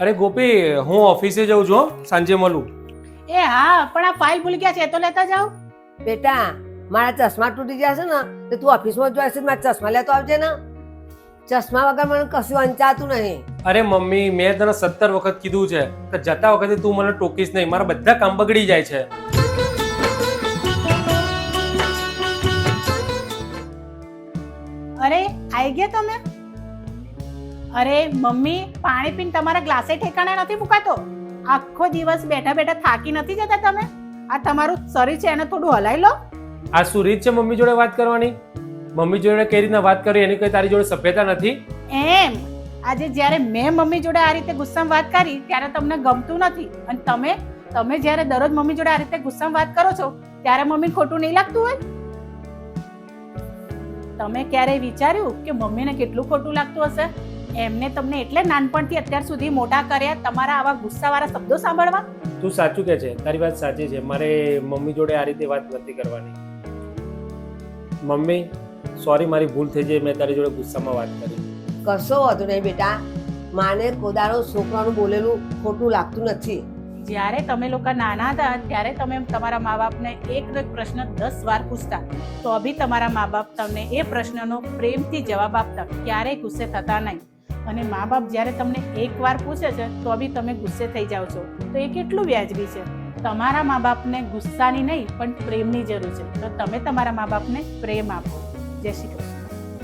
અરે ગોપી, હું ઓફિસે જઉં છું હો, સાંજે મળું. એ હા, પણ આ ફાઇલ ભૂલી ગયા છે તો લેતા જાઓ. બેટા મારા ચશ્મા તૂટી ગયા છે ને તો તું ઓફિસમાં જોઈશે મારા ચશ્મા લેતો આવજે ને. ચશ્મા વગર મને કશું અંચાતું નહીં. અરે મમ્મી, મેં તને 17 વખત કીધું છે કે જતા વખતે તું મને ટોકીશ નહીં, મારા બધા કામ બગડી જાય છે. અરે આવી ગયા તમે? અરે મમ્મી, પાણી પીને તમારા ગ્લાસે ઠેકાણે નથી મુકાતો. આખો દિવસ બેઠા બેઠા થાકી નથી જતા તમે? આ તમારું શરીર છે એને થોડું હલાવી લો. આ શું રીત છે મમ્મી જોડે વાત કરવાની? મમ્મી જોડે કઈ રીતના વાત કરી એની કઈ તારી જોડે સભ્યતા નથી? એમ આજે જ્યારે મેં મમ્મી જોડે આ રીતે ગુસ્સામાં વાત કરી ત્યારે તમને ગમતું નથી, અને તમે જ્યારે દરરોજ મમ્મી જોડે આ રીતે ગુસ્સામાં વાત કરો છો ત્યારે મમ્મીને ખોટું નહીં લાગતું હોય? તમે ક્યારેય વિચાર્યું કે મમ્મીને કેટલું ખોટું લાગતું હશે? એમને તમને એટલે નાનપણથી અત્યાર સુધી મોટા કર્યા તમારા આવા ગુસ્સાવાળા શબ્દો સાંભળવા? તું સાચું કે છે, તારી વાત સાચી છે. મારે મમ્મી જોડે આ રીતે વાત નથી કરવાની. મમ્મી સોરી, મારી ભૂલ થઈ જાય, મેં તારી જોડે ગુસ્સામાં વાત કરી. કશો વાંધો નહીં બેટા. માને કોદાળો છોકરાનું બોલેલું ખોટું લાગતું નથી. જ્યારે તમે લોકો નાના હતા ત્યારે તમે તમારા મા બાપને એકનો એક પ્રશ્ન 10 વાર પૂછતા, તો બી તમારા મા બાપ તમને એ પ્રશ્નનો પ્રેમથી જવાબ આપતા, ક્યારેય ગુસ્સે થતા નહીં. અને મા બાપ જ્યારે તમને એક વાર પૂછે છે તો બી તમે ગુસ્સે થઈ જાઓ છો, તો એ કેટલું વ્યાજબી છે? તમારા મા બાપને ગુસ્સાની નહીં પણ પ્રેમની જરૂર છે, તો તમે તમારા મા બાપને પ્રેમ આપો. જય શ્રી કૃષ્ણ.